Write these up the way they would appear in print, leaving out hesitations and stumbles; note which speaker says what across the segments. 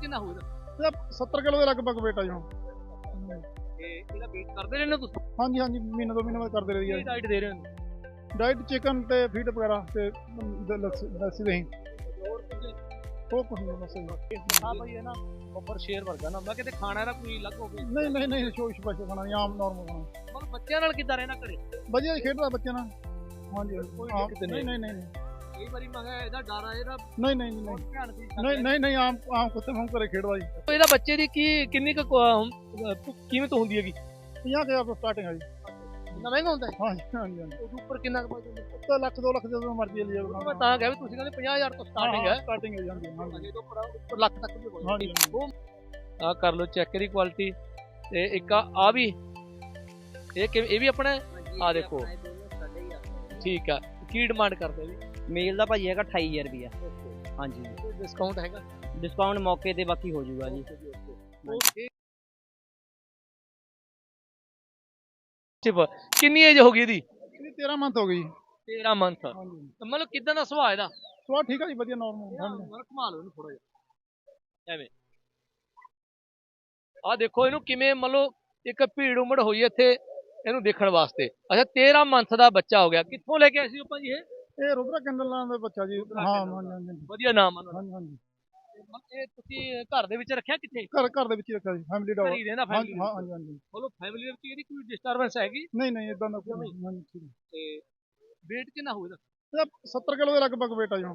Speaker 1: ਕਿੰਨਾ ਹੋਊਗਾ?
Speaker 2: ਇਹਦਾ 70 ਕਿਲੋ ਦੇ ਲਗਭਗ weight ਆ ਜੀ ਹੁਣ।
Speaker 1: ਤੇ ਇਹਦਾ ਵੇਟ ਕਰਦੇ ਰਹਿੰਦੇ ਹੋ ਤੁਸੀਂ?
Speaker 2: ਹਾਂਜੀ ਹਾਂਜੀ, ਮਹੀਨੇ 2 ਮਹੀਨੇ ਬਾਅਦ ਕਰਦੇ ਰਹੀ
Speaker 1: ਕੀ
Speaker 2: ਆ।
Speaker 1: ਡਾਈਟ ਦੇ ਰਹੇ ਹੋ?
Speaker 2: ਡਾਈਟ ਚਿਕਨ ਤੇ ਫੀਡ ਵਗੈਰਾ ਤੇ ਲੱਸੀ ਦਹੀਂ,
Speaker 1: ਹੋਰ ਕੁਝ?
Speaker 2: ਉਹ ਕੁਝ ਨਹੀਂ ਬਸ ਜੀ।
Speaker 1: ਹਾਂ ਭਾਈ ਇਹ ਨਾ ਬੱਬਰ ਸ਼ੇਰ ਵਰਗਾ ਨਾ, ਮੈਂ ਕਿਤੇ ਖਾਣਾ ਇਹਦਾ ਕੋਈ ਅਲੱਗ ਹੋਵੇ।
Speaker 2: ਨਹੀਂ ਨਹੀਂ ਨਹੀਂ, ਸ਼ੋਸ਼ ਪਾਸ਼ਾ ਖਾਣਾ ਨਹੀਂ, ਆਮ ਨਾਰਮਲ ਖਾਣਾ।
Speaker 1: ਮਤਲਬ ਬੱਚਿਆਂ ਨਾਲ ਕਿੱਦਾਂ ਰਹਿਣਾ ਘਰੇ?
Speaker 2: ਵਧੀਆ ਜੀ, ਖੇਡਦਾ ਬੱਚਿਆਂ ਨਾਲ। ਹਾਂਜੀ
Speaker 1: ਕੋਈ
Speaker 2: ਹਾਂਜੀ,
Speaker 1: ਦਿੱਕਤ
Speaker 2: ਨਹੀਂ
Speaker 1: ਨਹੀਂ।
Speaker 2: ਨਹੀਂ ਨਹੀਂ
Speaker 1: ਕਈ ਵਾਰੀ ਮੈਂ ਕਿਹਾ ਇਹਦਾ ਡਰ ਆ, ਇਹਦਾ
Speaker 2: ਨਹੀਂ ਨਹੀਂ ਨਹੀਂ
Speaker 1: ਬਹੁਤ ਧਿਆਨ ਦੀ
Speaker 2: ਨਹੀਂ ਨਹੀਂ ਨਹੀਂ, ਆਮ ਆਮ ਕੁੱਤੇ ਵਾਂਗ ਘਰੇ ਖੇਡਦਾ ਜੀ।
Speaker 1: ਇਹਦਾ ਬੱਚੇ ਦੀ ਕਿੰਨੀ ਕੁ ਕੀਮਤ ਹੁੰਦੀ ਹੈਗੀ?
Speaker 2: 50,000 ਤੋਂ ਸਟਾਰਟਿੰਗ ਆ ਜੀ।
Speaker 1: ਇੰਨਾ ਮਹਿੰਗਾ ਹੁੰਦਾ ਹੈ?
Speaker 2: ਹਾਂਜੀ ਹਾਂਜੀ ਹਾਂਜੀ,
Speaker 1: ਉਸ ਉੱਪਰ ਕਿੰਨਾ ਕੁ ਬਚਦਾ?
Speaker 2: ਉੱਤੇ ਲੱਖ 2 ਲੱਖ ਜਦੋਂ ਮਰਜ਼ੀ ਲਈ ਜਾਓ।
Speaker 1: ਮੈਂ ਤਾਂ ਕਿਹਾ ਵੀ ਤੁਸੀਂ ਕਹਿੰਦੇ 50,000 ਤੋਂ ਸਟਾਰਟਿੰਗ ਹੈ।
Speaker 2: ਸਟਾਰਟਿੰਗ ਹੋ ਜਾਂਦੀ ਹੈ। ਹਾਂਜੀ
Speaker 1: ਅਜੇ ਤੋਂ ਉੱਪਰ ਲੱਖ ਤੱਕ ਵੀ ਹੋ
Speaker 2: ਹਾਂਜੀ
Speaker 1: ਜਾਂਦੀ। ਉਹ ਆ ਕਰ ਲਓ ਚੈੱਕ ਦੀ ਕੁਆਲਿਟੀ। ਤੇ ਇੱਕ ਆ ਵੀ ਇਹ ਵੀ ਆਪਣਾ ਹੈ? ਆ ਦੇਖੋ, ਠੀਕ ਆ। ਕੀ ਡਿਮਾਂਡ ਕਰਦੇ ਜੀ?
Speaker 3: ਮੇਲ ਦਾ ਭਾਜੀ ਹੈਗਾ 28,000 ਰੁਪਿਆ। ਹਾਂਜੀ,
Speaker 1: ਡਿਸਕਾਊਂਟ ਹੈਗਾ?
Speaker 3: ਡਿਸਕਾਊਂਟ ਮੌਕੇ ਤੇ ਬਾਕੀ ਹੋ ਜਾਊਗਾ ਜੀ।
Speaker 1: ਕਿੰਨੀ ਏਜ ਹੋ ਗਈ ਇਹਦੀ?
Speaker 2: ਇਹਦੀ 13 ਮੰਥ ਹੋ ਗਈ।
Speaker 1: 13 ਮੰਥ।
Speaker 2: ਹਾਂਜੀ,
Speaker 1: ਮਤਲਬ ਕਿਦਾਂ ਦਾ ਸੁਭਾਅ ਇਹਦਾ?
Speaker 2: ਸਵਾਦ ਠੀਕ ਆ ਜੀ, ਵਧੀਆ ਨਾਰਮਲ।
Speaker 1: ਘੁਮਾ ਲਓ ਇਹਨੂੰ ਥੋੜਾ ਜਿਹਾ ਐਵੇਂ। ਆ ਦੇਖੋ ਇਹਨੂੰ ਕਿਵੇਂ, ਮਤਲਬ ਇੱਕ ਭੀੜ ਉਮੜ ਹੋਈ ਇੱਥੇ ਇਹਨੂੰ ਦੇਖਣ ਵਾਸਤੇ। ਅੱਛਾ, 13 ਮੰਥ ਦਾ ਬੱਚਾ ਹੋ ਗਿਆ। ਕਿੱਥੋਂ ਲੈ ਕੇ ਆਏ ਸੀ ਆਪਾਂ ਜੀ ਇਹ?
Speaker 2: ਇਹ ਰੁਦਰਾ ਕੈਂਡਲ ਨਾਮ ਦਾ ਬੱਚਾ ਜੀ। ਹਾਂ ਹਾਂਜੀ ਹਾਂਜੀ
Speaker 1: ਵਧੀਆ ਨਾਮ ਆ ਉਹਨਾਂ
Speaker 2: ਹਾਂਜੀ ਹਾਂਜੀ।
Speaker 1: ਦਾ। ਇਹ ਤੁਸੀਂ ਘਰ ਦੇ ਵਿੱਚ ਰੱਖਿਆ ਕਿੱਥੇ?
Speaker 2: ਘਰ ਦੇ ਵਿੱਚ ਹੀ ਰੱਖਿਆ ਜੀ, ਫੈਮਿਲੀ ਡੌਗ।
Speaker 1: ਘਰੀ ਰਹਿੰਦਾ
Speaker 2: ਹਾਂਜੀ
Speaker 1: ਫੈਮਿਲੀ?
Speaker 2: ਹਾਂਜੀ ਹਾਂਜੀ।
Speaker 1: ਮਤਲਬ ਫੈਮਿਲੀ ਦੇ ਵਿੱਚ ਇਹਦੀ ਕੋਈ ਡਿਸਟਰਬੈਂਸ ਹੈਗੀ?
Speaker 2: ਨਹੀਂ ਨਹੀਂ, ਇਦਾਂ ਦਾ ਕੋਈ ਨਹੀਂ। ਠੀਕ ਹੈ।
Speaker 1: ਤੇ weight ਕਿੰਨਾ ਹੋਊਗਾ?
Speaker 2: ਇਹਦਾ 70 ਕਿਲੋ ਦੇ ਲਗਭਗ weight ਆ ਜੀ ਹੁਣ।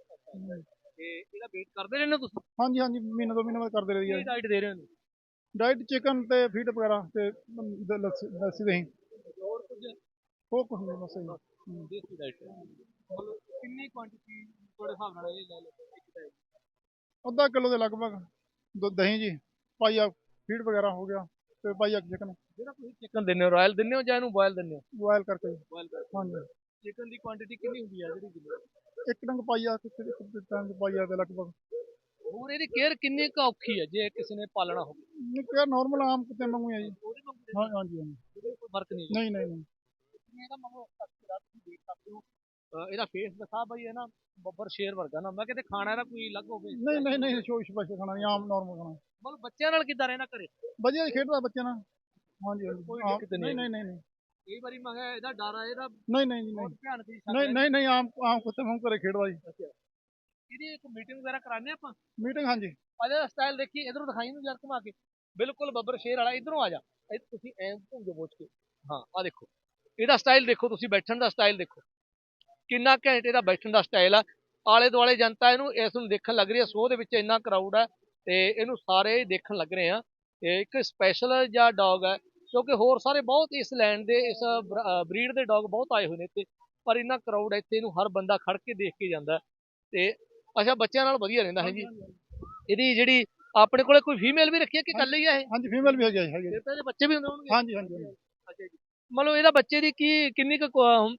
Speaker 1: ਤੇ ਇਹਦਾ weight ਕਰਦੇ ਰਹਿੰਦੇ ਹੋ ਤੁਸੀਂ?
Speaker 2: ਹਾਂਜੀ ਹਾਂਜੀ, ਮਹੀਨੇ 2 ਮਹੀਨੇ ਬਾਅਦ ਕਰਦੇ ਰਹੀ ਆ।
Speaker 1: ਕੀ ਡਾਈਟ ਦੇ ਰਹੇ ਹੋ?
Speaker 2: ਡਾਈਟ ਚਿਕਨ ਤੇ ਫੀਡ ਵਗੈਰਾ ਤੇ ਲੱਸੀ ਦਹੀਂ,
Speaker 1: ਹੋਰ ਕੁਝ?
Speaker 2: ਉਹ ਕੁਝ ਨਹੀਂ ਬਸ ਜੀ।
Speaker 1: ਦੇਸੀ ਡਾਈਟ। ਮਤਲਬ ਕਿੰਨੀ ਕੁਆਂਟੀਟੀ ਤੁਹਾਡੇ ਹਿਸਾਬ ਨਾਲ ਇਹ ਲੈ ਲਓ?
Speaker 2: ਅੱਧਾ ਕਿਲੋ ਦੇ ਲਗਭਗ ਦਹੀਂ ਜੀ, ਪਾਈਆ ਫੀਡ ਵਗੈਰਾ ਹੋ ਗਿਆ ਤੇ ਪਾਈਆ ਚਿਕਨ
Speaker 1: ਜਿਹੜਾ ਤੁਸੀਂ ਚਿਕਨ ਦਿੰਦੇ ਹੋ, ਰਾਇਲ ਦਿੰਦੇ ਹੋ ਜਾਂ ਇਹਨੂੰ ਬੋਇਲ ਦਿੰਦੇ ਹੋ?
Speaker 2: ਬੋਇਲ ਕਰਕੇ ਜੀ।
Speaker 1: ਬੋਇਲ ਕਰਕੇ।
Speaker 2: ਹਾਂਜੀ,
Speaker 1: ਚਿਕਨ ਦੀ ਕੁਆਂਟੀਟੀ ਕਿੰਨੀ ਹੁੰਦੀ ਹੈ ਜਿਹੜੀ ਦਿੰਦੇ ਹੋ?
Speaker 2: ਇੱਕ ਡੰਗ ਪਾਈਆ ਤੇ ਇੱਕ ਡੰਗ ਪਾਈਆ ਦੇ ਲਗਭਗ।
Speaker 1: ਹੋਰ ਇਹਦੀ ਕੇਅਰ ਕਿੰਨੀ ਕੁ ਔਖੀ ਹੈ ਜੇ ਕਿਸੇ ਨੇ ਪਾਲਣਾ ਹੋਵੇ?
Speaker 2: ਨਹੀਂ, ਕਿਹਾ ਨਾਰਮਲ ਆਮ ਕੁੱਤੇ ਵਾਂਗੂ ਹੈ ਜੀ।
Speaker 1: ਉਹਦੇ ਵਾਂਗੂ
Speaker 2: ਹਾਂ ਹਾਂਜੀ ਹਾਂਜੀ।
Speaker 1: ਕੋਈ ਫਰਕ ਨਹੀਂ?
Speaker 2: ਨਹੀਂ ਨਹੀਂ ਨਹੀਂ
Speaker 1: ਇਹਦਾ ਮਤਲਬ ਤੁਸੀਂ ਦੇਖ ਸਕਦੇ ਹੋ। ਇਹਦਾ ਫੇਸ ਦਿਖਾ ਬਈ, ਹੈ ਨਾ ਬੱਬਰ ਸ਼ੇਰ ਵਰਗਾ ਨਾ, ਮੈਂ ਕਿਤੇ ਖਾਣਾ ਇਹਦਾ ਕੋਈ ਅਲੱਗ ਹੋਵੇ।
Speaker 2: ਨਹੀਂ ਨਹੀਂ ਨਹੀਂ, ਸ਼ੋਸ਼ ਪਾਸ਼ਾ ਖਾਣਾ ਨਹੀਂ, ਆਮ ਨਾਰਮਲ ਖਾਣਾ।
Speaker 1: ਮਤਲਬ ਬੱਚਿਆਂ ਨਾਲ ਕਿੱਦਾਂ ਰਹਿਣਾ ਘਰੇ?
Speaker 2: ਵਧੀਆ ਜੀ, ਖੇਡਦਾ ਬੱਚਿਆਂ ਨਾਲ। ਹਾਂਜੀ ਹਾਂਜੀ,
Speaker 1: ਕੋਈ ਦਿੱਕਤ ਨਹੀਂ?
Speaker 2: ਨਹੀਂ ਨਹੀਂ ਨਹੀਂ
Speaker 1: ਕਈ ਵਾਰੀ ਮੈਂ ਕਿਹਾ ਇਹਦਾ ਡਰ ਆ, ਇਹਦਾ
Speaker 2: ਨਹੀਂ ਨਹੀਂ
Speaker 1: ਬਹੁਤ
Speaker 2: ਨਹੀਂ
Speaker 1: ਧਿਆਨ ਦੀ
Speaker 2: ਨਹੀਂ ਨਹੀਂ ਨਹੀਂ, ਆਮ ਆਮ ਕੁੱਤੇ ਵਾਂਗੂ ਘਰੇ ਖੇਡਦਾ ਜੀ।
Speaker 1: ਇਹਦੀ ਇੱਕ ਮੀਟਿੰਗ ਵਗੈਰਾ ਕਰਾਉਂਦੇ ਆਪਾਂ?
Speaker 2: ਮੀਟਿੰਗ ਹਾਂਜੀ।
Speaker 1: ਇਹਦਾ ਸਟਾਈਲ ਦੇਖੀ, ਇਧਰੋਂ ਦਿਖਾਈ ਨੂੰ ਯਾਰ ਘੁਮਾ ਕੇ। ਬਿਲਕੁਲ ਬੱਬਰ ਸ਼ੇਰ ਵਾਲਾ। ਇਧਰੋਂ ਆ ਜਾ, ਤੁਸੀਂ ਐਂ ਘੁੰਮ ਜਾਓ ਬੋਝ ਕੇ। ਹਾਂ ਆ ਦੇਖੋ ਇਹਦਾ ਸਟਾਈਲ ਦੇਖੋ, ਤੁਸੀਂ ਬੈਠਣ ਦਾ ਸਟਾਈਲ ਦੇਖੋ ਕਿੰਨਾ ਘੈਂਟ ਇਹਦਾ ਬੈਠਣ ਦਾ ਸਟਾਈਲ ਆ। ਆਲੇ ਦੁਆਲੇ ਜਨਤਾ ਇਸ ਨੂੰ ਦੇਖਣ ਲੱਗ ਰਹੀ ਹੈ। ਸ਼ੋਅ ਦੇ ਵਿੱਚ ਇੰਨਾ ਕਰਾਊਡ ਹੈ ਤੇ ਇਹਨੂੰ ਸਾਰੇ ਦੇਖਣ ਲੱਗ ਰਹੇ ਆ। ਤੇ ਇੱਕ ਸਪੈਸ਼ਲ ਜਿਹਾ ਡੌਗ ਹੈ, ਕਿਉਂਕਿ ਹੋਰ ਸਾਰੇ ਬਹੁਤ ਇਸ ਲੈਂਡ ਦੇ ਇਸ ਬਰੀਡ ਦੇ ਡੌਗ ਬਹੁਤ ਆਏ ਹੋਏ ਨੇ ਇੱਥੇ, ਪਰ ਇੰਨਾ ਕਰਾਊਡ ਹੈ ਇੱਥੇ, ਇਹਨੂੰ ਹਰ ਬੰਦਾ ਖੜ ਕੇ ਦੇਖ ਕੇ ਜਾਂਦਾ। ਤੇ ਅੱਛਾ, ਬੱਚਿਆਂ ਨਾਲ ਵਧੀਆ ਰਹਿੰਦਾ ਹੈ ਜੀ। ਇਹਦੀ ਜਿਹੜੀ ਆਪਣੇ ਕੋਲੇ ਕੋਈ ਫੀਮੇਲ ਵੀ ਰੱਖੀ ਹੈ ਕਿ ਇਕੱਲੇ ਹੀ ਆ ਇਹ?
Speaker 2: ਹਾਂਜੀ, ਫੀਮੇਲ ਵੀ ਹੈਗੀ ਹੈ।
Speaker 1: ਫਿਰ ਤਾਂ ਇਹਦੇ ਬੱਚੇ ਵੀ ਹੁੰਦੇ ਹੋਣਗੇ?
Speaker 2: ਹਾਂਜੀ ਹਾਂਜੀ।
Speaker 1: ਅੱਛਾ ਜੀ। ਮਤਲਬ ਇਹਦਾ ਬੱਚੇ ਦੀ ਕਿੰਨੀ ਕੁ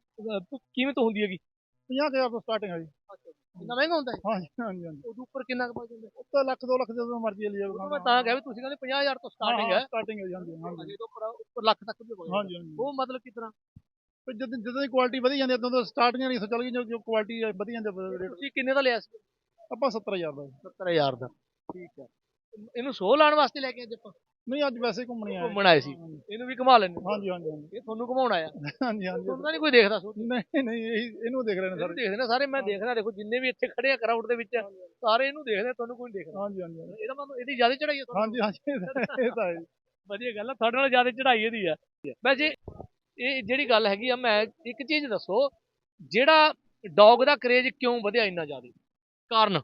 Speaker 1: ਕੀਮਤ ਹੁੰਦੀ ਹੈਗੀ?
Speaker 2: 50,000 ਤੋਂ ਸਟਾਰਟਿੰਗ ਆ ਜੀ।
Speaker 1: ਇੰਨਾ ਮਹਿੰਗਾ ਹੁੰਦਾ ਹੈ?
Speaker 2: ਹਾਂਜੀ ਹਾਂਜੀ ਹਾਂਜੀ,
Speaker 1: ਉਸ ਉੱਪਰ ਕਿੰਨਾ ਕੁ ਬਚ ਜਾਂਦਾ?
Speaker 2: ਉੱਤੇ ਲੱਖ 2 ਲੱਖ ਜਦੋਂ ਮਰਜ਼ੀ ਲਈ ਜਾਓ।
Speaker 1: ਮੈਂ ਤਾਂ ਕਿਹਾ ਵੀ ਤੁਸੀਂ ਕਹਿੰਦੇ 50,000 ਤੋਂ ਸਟਾਰਟਿੰਗ ਹੈ।
Speaker 2: ਸਟਾਰਟਿੰਗ ਹੋ ਜਾਂਦੀ ਹੈ। ਹਾਂਜੀ
Speaker 1: ਅਜੇ ਤੋਂ ਉੱਪਰ ਲੱਖ ਤੱਕ ਵੀ ਹੋ ਜਾਂਦਾ।
Speaker 2: ਹਾਂਜੀ ਹਾਂਜੀ।
Speaker 1: ਉਹ ਮਤਲਬ ਕਿਸ ਤਰ੍ਹਾਂ?
Speaker 2: ਜਦੋਂ ਦੀ ਕੁਆਲਿਟੀ ਵਧੀ ਜਾਂਦੀ ਉਦੋਂ ਤੋਂ ਸਟਾਰਟਿੰਗ ਨਹੀਂ ਚੱਲ ਗਈ, ਜੋ ਕੁਆਲਿਟੀ ਵਧੀ ਜਾਂਦੀ ਰੇਟ।
Speaker 1: ਤੁਸੀਂ ਕਿੰਨੇ ਦਾ ਲਿਆ ਸੀ?
Speaker 2: ਆਪਾਂ 70,000 ਦਾ।
Speaker 1: 70,000 ਦਾ। ਠੀਕ ਹੈ। ਇਹਨੂੰ ਸੋਹ ਲਾਉਣ ਵਾਸਤੇ ਲੈ ਕੇ ਅੱਜ ਆਪਾਂ?
Speaker 2: ਨਹੀਂ, ਅੱਜ ਵੈਸੇ ਹੀ ਘੁੰਮਣੀ ਆਇਆ।
Speaker 1: ਘੁੰਮਣ ਆਏ ਸੀ, ਇਹਨੂੰ ਵੀ ਘੁਮਾ ਲੈਣੇ?
Speaker 2: ਹਾਂਜੀ ਹਾਂਜੀ ਹਾਂਜੀ।
Speaker 1: ਇਹ ਤੁਹਾਨੂੰ ਘੁਮਾਉਣ ਆਇਆ?
Speaker 2: ਹਾਂਜੀ ਹਾਂਜੀ।
Speaker 1: ਤੁਹਾਨੂੰ ਤਾਂ ਨਹੀਂ ਕੋਈ ਦੇਖਦਾ?
Speaker 2: ਨਹੀਂ ਨਹੀਂ, ਇਹਨੂੰ ਦੇਖ ਰਹੇ ਨੇ ਸਾਰੇ।
Speaker 1: ਦੇਖਦੇ ਨੇ ਸਾਰੇ। ਮੈਂ ਦੇਖਦਾ, ਦੇਖੋ ਜਿੰਨੇ ਵੀ ਇੱਥੇ ਖੜੇ ਆ ਕਰਾਊਡ ਦੇ ਵਿੱਚ, ਸਾਰੇ ਇਹਨੂੰ ਦੇਖਦੇ, ਤੁਹਾਨੂੰ ਕੋਈ ਨਹੀਂ ਦੇਖਦਾ।
Speaker 2: ਹਾਂਜੀ ਹਾਂਜੀ।
Speaker 1: ਇਹਦਾ ਮਤਲਬ ਇਹਦੀ ਜ਼ਿਆਦਾ ਚੜਾਈ ਹੈ?
Speaker 2: ਹਾਂਜੀ ਹਾਂਜੀ, ਇਹ ਤਾਂ ਹੈ।
Speaker 1: ਵਧੀਆ ਗੱਲ ਆ, ਤੁਹਾਡੇ ਨਾਲ ਜ਼ਿਆਦਾ ਚੜਾਈ ਇਹਦੀ ਆ। ਵੈਸੇ ਇਹ ਜਿਹੜੀ ਗੱਲ ਹੈਗੀ ਆ, ਮੈਂ ਇੱਕ ਚੀਜ਼ ਦੱਸੋ, ਜਿਹੜਾ ਡੌਗ ਦਾ ਕਰੇਜ ਕਿਉਂ ਵਧਿਆ ਇੰਨਾ ਜ਼ਿਆਦਾ? ਕਾਰਨ?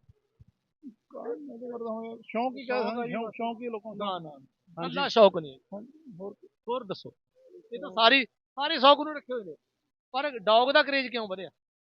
Speaker 2: ਸ਼ੌਂਕ ਹੀ ਕਹਿ ਸਕਦੇ, ਸ਼ੌਂਕ ਹੀ ਲੋਕਾਂ ਦਾ।
Speaker 1: ਨਾ ਅੱਲਾ ਸ਼ੌਕ ਨਹੀਂ।
Speaker 2: ਹੋਰ
Speaker 1: ਹੋਰ ਦੱਸੋ। ਇਹ ਤਾਂ ਸਾਰੇ ਸ਼ੌਕ ਨੂੰ ਰੱਖੇ ਹੋਏ ਨੇ, ਪਰ ਡੌਗ ਦਾ ਕਰੇਜ ਕਿਉਂ ਵਧਿਆ?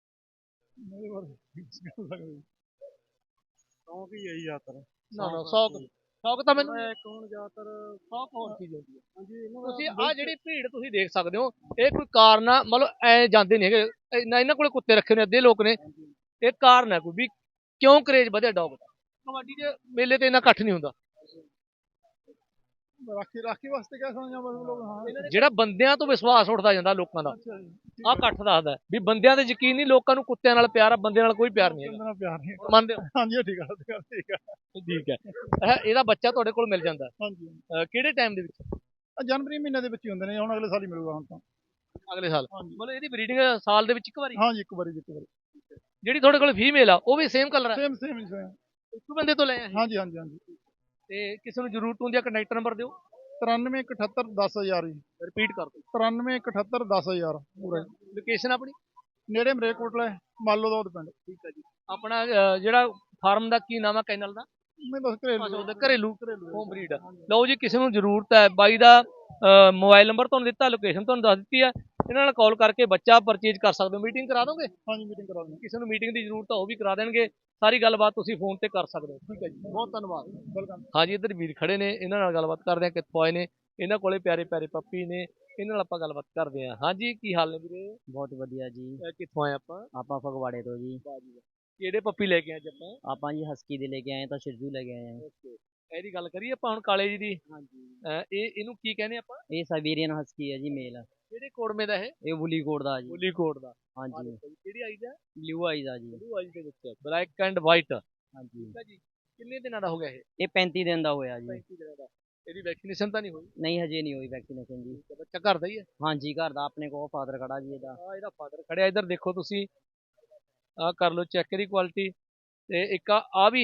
Speaker 2: ਸ਼ੌਂਕ ਹੀ ਹੈ ਜ਼ਿਆਦਾਤਰ।
Speaker 1: ਨਾ ਸ਼ੌਕ ਤਾਂ ਮੈਨੂੰ ਜ਼ਿਆਦਾਤਰ ਸ਼ੌਕ ਹੋਰ ਚੀਜ਼ ਹੁੰਦੀ ਹੈ। ਤੁਸੀਂ ਆਹ ਜਿਹੜੀ ਭੀੜ ਤੁਸੀਂ ਦੇਖ ਸਕਦੇ ਹੋ, ਇਹ ਕੋਈ ਕਾਰਨ ਆ? ਮਤਲਬ ਐ ਜਾਂਦੇ ਨਹੀਂ ਹੈਗੇ, ਇਹਨਾਂ ਕੋਲੇ ਕੁੱਤੇ ਰੱਖੇ ਨੇ ਅੱਧੇ ਲੋਕ ਨੇ। ਇਹ ਕਾਰਨ ਹੈ ਕੋਈ ਵੀ ਕਿਉਂ ਕਰੇਜ ਵਧਿਆ ਡੌਗ ਦਾ? ਕਬੱਡੀ ਦੇ ਮੇਲੇ ਤੇ ਇੰਨਾ ਇਕੱਠ ਨਹੀਂ ਹੁੰਦਾ।
Speaker 2: ਰਾਖੀ ਵਾਸਤੇ ਕਹਿ ਸਕਦੇ ਹਾਂ ਬਸ ਲੋਕ। ਹਾਂ
Speaker 1: ਜਿਹੜਾ ਬੰਦਿਆਂ ਤੋਂ ਵਿਸ਼ਵਾਸ ਉੱਠਦਾ ਜਾਂਦਾ ਲੋਕਾਂ ਦਾ,
Speaker 2: ਅੱਛਾ ਜੀ,
Speaker 1: ਆਹ ਇਕੱਠ ਦੱਸਦਾ ਵੀ ਬੰਦਿਆਂ ਤੇ ਯਕੀਨ ਨਹੀਂ, ਲੋਕਾਂ ਨੂੰ ਕੁੱਤਿਆਂ ਨਾਲ ਪਿਆਰ ਆ, ਬੰਦਿਆਂ ਨਾਲ ਕੋਈ ਪਿਆਰ ਨਹੀਂ ਹੈਗਾ।
Speaker 2: ਬੰਦੇ ਨਾਲ ਪਿਆਰ ਨਹੀਂ।
Speaker 1: ਮੰਨਦੇ ਹੋ?
Speaker 2: ਹਾਂਜੀ ਠੀਕ ਆ ਠੀਕ ਆ।
Speaker 1: ਠੀਕ ਹੈ। ਇਹਦਾ ਬੱਚਾ ਤੁਹਾਡੇ ਕੋਲ ਮਿਲ ਜਾਂਦਾ
Speaker 2: ਹਾਂਜੀ
Speaker 1: ਕਿਹੜੇ ਟਾਈਮ ਦੇ ਵਿੱਚ?
Speaker 2: ਜਨਵਰੀ ਮਹੀਨੇ ਦੇ ਵਿੱਚ ਹੀ ਹੁੰਦੇ ਨੇ, ਹੁਣ ਅਗਲੇ ਸਾਲ ਹੀ ਮਿਲੂਗਾ ਹੁਣ ਤਾਂ।
Speaker 1: ਅਗਲੇ ਸਾਲ?
Speaker 2: ਹਾਂਜੀ
Speaker 1: ਮਤਲਬ ਇਹਦੀ ਬਰੀਡਿੰਗ ਸਾਲ ਦੇ ਵਿੱਚ ਇੱਕ ਵਾਰੀ?
Speaker 2: ਹਾਂਜੀ ਇੱਕ ਵਾਰੀ ਇੱਕ ਵਾਰੀ।
Speaker 1: ਜਿਹੜੀ ਤੁਹਾਡੇ ਕੋਲ ਫੀਮੇਲ ਆ ਉਹ ਵੀ ਸੇਮ ਕਲਰ ਹੈ?
Speaker 2: Same same same.
Speaker 1: ਇੱਕ ਬੰਦੇ ਤੋਂ ਲੈ ਆਏ?
Speaker 2: ਹਾਂਜੀ ਹਾਂਜੀ ਹਾਂਜੀ।
Speaker 1: ਤੇ ਕਿਸੇ ਨੂੰ ਜ਼ਰੂਰਤ ਹੁੰਦੀ ਆ ਕੰਟੈਕਟ ਨੰਬਰ ਦਿਓ।
Speaker 2: 93 178 10,000 ਜੀ।
Speaker 1: ਰਿਪੀਟ ਕਰ ਦਿਓ।
Speaker 2: 93 178 10,000 ਪੂਰਾ।
Speaker 1: ਲੋਕੇਸ਼ਨ ਆਪਣੀ?
Speaker 2: ਨੇੜੇ ਮਰੇਕੋਟਲਾ ਮਾਲੋ ਦਾ ਪਿੰਡ।
Speaker 1: ਠੀਕ ਹੈ ਜੀ। ਆਪਣਾ ਜਿਹੜਾ ਫਾਰਮ ਦਾ ਕੀ ਨਾਮ ਆ ਕੈਨਲ ਦਾ?
Speaker 2: ਮੈਂ ਬਸ ਘਰੇਲੂ
Speaker 1: ਘਰੇਲੂ ਹੋਮ ਬਰੀਡ। ਲਓ ਜੀ, ਕਿਸੇ ਨੂੰ ਜ਼ਰੂਰਤ ਹੈ, ਬਾਈ ਦਾ ਮੋਬਾਈਲ ਨੰਬਰ ਤੁਹਾਨੂੰ ਦਿੱਤਾ, ਲੋਕੇਸ਼ਨ ਤੁਹਾਨੂੰ ਦੱਸ ਦਿੱਤੀ ਹੈ, ਇਹਨਾਂ ਨਾਲ ਕਾਲ ਕਰਕੇ ਬੱਚਾ ਪਰਚੇਜ ਕਰ ਸਕਦੇ ਹੋ। ਮੀਟਿੰਗ ਕਰਾ ਦੋਗੇ?
Speaker 2: ਹਾਂਜੀ ਮੀਟਿੰਗ ਕਰਾ ਦਿੰਦੇ।
Speaker 1: ਕਿਸੇ ਨੂੰ ਮੀਟਿੰਗ ਦੀ ਜ਼ਰੂਰਤ ਆ ਉਹ ਵੀ ਕਰਾ ਦੇਣਗੇ, ਸਾਰੀ ਗੱਲਬਾਤ ਤੁਸੀਂ ਫੋਨ ਤੇ ਕਰ ਸਕਦੇ ਹੋ। ਠੀਕ ਹੈ ਜੀ, ਬਹੁਤ ਧੰਨਵਾਦ।
Speaker 2: ਵੈਲਕਮ।
Speaker 1: ਹਾਂਜੀ, ਇੱਧਰ ਵੀਰ ਖੜੇ ਨੇ, ਇਹਨਾਂ ਨਾਲ ਗੱਲਬਾਤ ਕਰਦੇ ਆ, ਕਿੱਥੋਂ ਆਏ ਨੇ, ਇਹਨਾਂ ਕੋਲੇ ਪਿਆਰੇ ਪਿਆਰੇ ਪੱਪੀ ਨੇ, ਇਹਨਾਂ ਨਾਲ ਆਪਾਂ ਗੱਲਬਾਤ ਕਰਦੇ ਆ। ਹਾਂਜੀ, ਕੀ ਹਾਲ ਨੇ ਵੀਰੇ?
Speaker 3: ਬਹੁਤ ਵਧੀਆ ਜੀ।
Speaker 1: ਕਿੱਥੋਂ ਆਏ ਆਪਾਂ?
Speaker 3: ਆਪਾਂ ਫਗਵਾੜੇ ਤੋਂ ਜੀ।
Speaker 1: ਕਿਹੜੇ ਪੱਪੀ ਲੈ ਕੇ ਆਏ ਅੱਜ ਆਪਾਂ?
Speaker 3: ਆਪਾਂ ਜੀ ਹਸਕੀ ਦੇ ਲੈ ਕੇ ਆਏ ਤਾਂ ਸ਼ਿਰਜੂ ਲੈ ਕੇ ਆਏ ਆ।
Speaker 1: ਓਕੇ, ਇਹਦੀ ਗੱਲ ਕਰੀਏ ਆਪਾਂ ਹੁਣ ਕਾਲੇ ਜੀ ਦੀ।
Speaker 3: ਹਾਂਜੀ।
Speaker 1: ਇਹਨੂੰ ਕੀ ਕਹਿੰਦੇ ਆਪਾਂ?
Speaker 3: ਇਹ ਸਾਈਬੇਰੀਅਨ ਹਸਕੀ ਹੈ ਜੀ, ਮੇਲ।
Speaker 1: ਕਿਹੜੇ ਕੋੜਮੇ ਦਾ
Speaker 3: ਇਹ ਬੁਲੀ ਕੋਟ ਦਾ ਜੀ।
Speaker 1: ਬੋਲੀ ਕੋਟ ਦਾ?
Speaker 3: ਹਾਂਜੀ।
Speaker 1: ਕਿਹੜੀ ਆਈਜ਼ ਹੈ?
Speaker 3: ਬਲੂ ਆਈਜ਼ ਆ ਜੀ।
Speaker 1: ਬਲੂ ਆਈਜ਼ ਦੇ ਵਿੱਚ ਬਲੈਕ ਐਂਡ ਵਾਈਟ।
Speaker 3: ਹਾਂਜੀ।
Speaker 1: ਠੀਕ ਹੈ ਜੀ। ਕਿੰਨੇ ਦਿਨਾਂ ਦਾ ਹੋ ਗਿਆ ਇਹ?
Speaker 3: ਇਹ 35 ਦਿਨ ਦਾ ਹੋਇਆ ਜੀ।
Speaker 1: 35 ਦਿਨਾਂ ਦਾ। ਇਹਦੀ ਵੈਕਸੀਨੇਸ਼ਨ ਤਾਂ ਨਹੀਂ ਹੋਈ?
Speaker 3: ਨਹੀਂ ਹਜੇ ਨਹੀਂ ਹੋਈ ਵੈਕਸੀਨੇਸ਼ਨ ਜੀ।
Speaker 1: ਬੱਚਾ ਘਰ ਦਾ ਹੀ ਹੈ?
Speaker 3: ਹਾਂਜੀ ਘਰ ਦਾ, ਆਪਣੇ ਕੋਲ ਫਾਦਰ ਖੜਾ ਜੀ ਇਹਦਾ।
Speaker 1: ਇਹਦਾ ਫਾਦਰ ਖੜਿਆ, ਇੱਧਰ ਦੇਖੋ ਤੁਸੀਂ, ਆਹ ਕਰ ਲਓ ਚੈੱਕ ਇਹਦੀ ਕੁਆਲਿਟੀ। ਤੇ ਇੱਕ ਆ ਵੀ,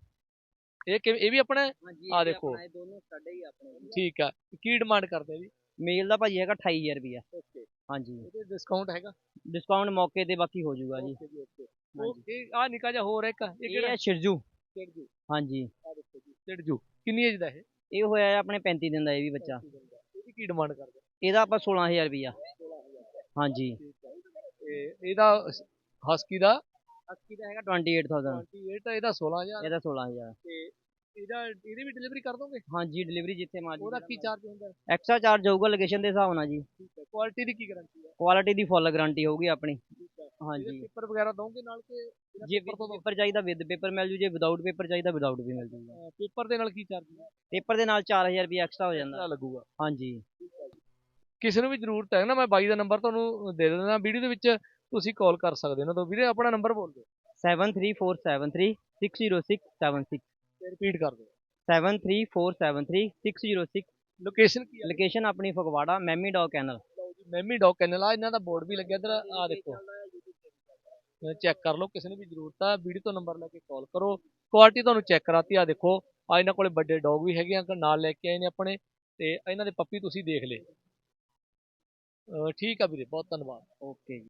Speaker 1: ਇਹ ਵੀ ਆਪਣਾ?
Speaker 3: ਹਾਂਜੀ
Speaker 1: ਆਹ ਦੇਖੋ।
Speaker 3: ਇਹ ਦੋਨੋਂ ਸਾਡੇ ਹੀ ਆਪਣੇ।
Speaker 1: ਠੀਕ ਆ। ਕੀ ਡਿਮਾਂਡ ਕਰਦੇ ਆ ਜੀ?
Speaker 3: ਮੇਲ ਦਾ ਭਾਜੀ ਹੈਗਾ 28,000 ਰੁਪਇਆ।
Speaker 1: ਓਕੇ।
Speaker 3: ਹਾਂਜੀ।
Speaker 1: ਇਹਦੇ ਡਿਸਕਾਊਂਟ ਹੈਗਾ?
Speaker 3: ਡਿਸਕਾਊਂਟ ਮੌਕੇ ਤੇ ਬਾਕੀ ਹੋ ਜਾਊਗਾ ਜੀ।
Speaker 1: ਓਕੇ ਜੀ, ਓਕੇ। ਇਹ ਆ ਨਿੱਕਾ ਜਿਹਾ ਹੋਰ ਇੱਕ, ਇਹ
Speaker 3: ਇਹ
Speaker 1: ਕਿਹੜਾ?
Speaker 3: ਹੈ ਸ਼ਿਰਜੂ।
Speaker 1: ਸਿੜਜੂ।
Speaker 3: ਹਾਂਜੀ।
Speaker 1: ਆ ਦੇਖੋ ਜੀ, ਸਿੜਜੂ। ਕਿੰਨੀ ਏਜ ਦਾ
Speaker 3: ਇਹ ਹੋਇਆ ਹੈ ਆਪਣੇ 35 ਦਿਨ ਦਾ ਇਹ ਵੀ ਬੱਚਾ।
Speaker 1: ਇਹਦੀ ਕੀ ਡਿਮਾਂਡ ਕਰਦੇ?
Speaker 3: ਇਹਦਾ ਆਪਾਂ 16,000 ਰੁਪਇਆ।
Speaker 1: 16,000।
Speaker 3: ਹਾਂਜੀ।
Speaker 1: ਠੀਕ ਹੈ। ਤੇ ਇਹਦਾ ਹਸਕੀ ਦਾ?
Speaker 3: ਹਸਕੀ ਦਾ ਹੈਗਾ 28,000।
Speaker 1: 28 ਆ, ਇਹਦਾ 16,000।
Speaker 3: ਇਹਦਾ 16,000।
Speaker 1: ਤੇ ਇਹਦੀ ਵੀ ਡਿਲੀਵਰੀ ਕਰ ਦੋਗੇ?
Speaker 3: ਹਾਂਜੀ ਡਿਲੀਵਰੀ ਜਿੱਥੇ ਮਰਜ਼ੀ।
Speaker 1: ਉਹਦਾ ਕੀ ਚਾਰਜ ਹੁੰਦਾ?
Speaker 3: ਐਕਸਟਰਾ ਚਾਰਜ ਹੋਊਗਾ ਲੋਕੇਸ਼ਨ ਦੇ ਹਿਸਾਬ ਨਾਲ ਜੀ।
Speaker 1: ਠੀਕ ਹੈ। ਕੁਆਲਿਟੀ ਦੀ ਕੀ ਗਾਰੰਟੀ ਹੈ?
Speaker 3: ਕੁਆਲਿਟੀ ਦੀ ਫੁੱਲ ਗਾਰੰਟੀ ਹੋਊਗੀ ਆਪਣੀ।
Speaker 1: ਠੀਕ ਹੈ।
Speaker 3: ਹਾਂਜੀ।
Speaker 1: ਪੇਪਰ ਵਗੈਰਾ ਦੋਗੇ ਨਾਲ ਕਿ
Speaker 3: ਜੇ ਪੇਪਰ ਚਾਹੀਦਾ ਵਿਦ ਪੇਪਰ ਮਿਲ ਜੂ, ਜੇ ਵਿਦਾਊਟ ਪੇਪਰ ਚਾਹੀਦਾ ਵਿਦਾਊਟ ਵੀ ਮਿਲ ਜੂਗਾ।
Speaker 1: ਪੇਪਰ ਦੇ ਨਾਲ ਕੀ ਚਾਰਜ
Speaker 3: ਪੇਪਰ ਦੇ ਨਾਲ 4,000 ਰੁਪਇਆ ਐਕਸਟਰਾ ਹੋ ਜਾਂਦਾ।
Speaker 1: ਲੱਗੂਗਾ?
Speaker 3: ਹਾਂਜੀ।
Speaker 1: ਕਿਸੇ ਨੂੰ ਵੀ ਜ਼ਰੂਰਤ ਹੈ ਨਾ, ਮੈਂ ਬਾਈ ਦਾ ਨੰਬਰ ਤੁਹਾਨੂੰ ਦੇ ਦਿੰਦਾ ਵੀਡੀਓ ਦੇ ਵਿੱਚ, ਤੁਸੀਂ ਕਾਲ ਕਰ ਸਕਦੇ ਹੋ ਨਾ। ਤਾਂ ਵੀਰੇ ਆਪਣਾ ਨੰਬਰ ਬੋਲ ਦਿਓ।
Speaker 3: 7347360676।
Speaker 1: ਰਿਪੀਟ ਕਰ ਦਿਓ।
Speaker 3: 7347360676।
Speaker 1: ਲੋਕੇਸ਼ਨ ਕੀ ਹੈ?
Speaker 3: ਲੋਕੇਸ਼ਨ ਆਪਣੀ Phagwara mummy dog kennel.
Speaker 1: Mummy dog kennel ਆ, ਇਹਨਾਂ ਦਾ ਬੋਰਡ ਵੀ ਲੱਗਿਆ ਇੱਧਰ, ਆ ਦੇਖੋ, ਚੈੱਕ ਕਰ ਲਓ। ਕਿਸੇ ਨੂੰ ਵੀ ਜ਼ਰੂਰਤ ਆ, ਵੀਡੀਓ ਤੋਂ ਨੰਬਰ ਲੈ ਕੇ ਕਾਲ ਕਰੋ। ਕੁਆਲਿਟੀ ਤੁਹਾਨੂੰ ਚੈੱਕ ਕਰਾਤੀ, ਆ ਦੇਖੋ, ਆ ਇਹਨਾਂ ਕੋਲੇ ਵੱਡੇ ਡੌਗ ਵੀ ਹੈਗੇ ਆ, ਨਾਲ ਲੈ ਕੇ ਆਏ ਨੇ ਆਪਣੇ, ਤੇ ਇਹਨਾਂ ਦੇ ਪੱਪੀ ਤੁਸੀਂ ਦੇਖ ਲਏ। ਠੀਕ ਆ ਵੀਰੇ, ਬਹੁਤ ਧੰਨਵਾਦ।
Speaker 3: ਓਕੇ ਜੀ।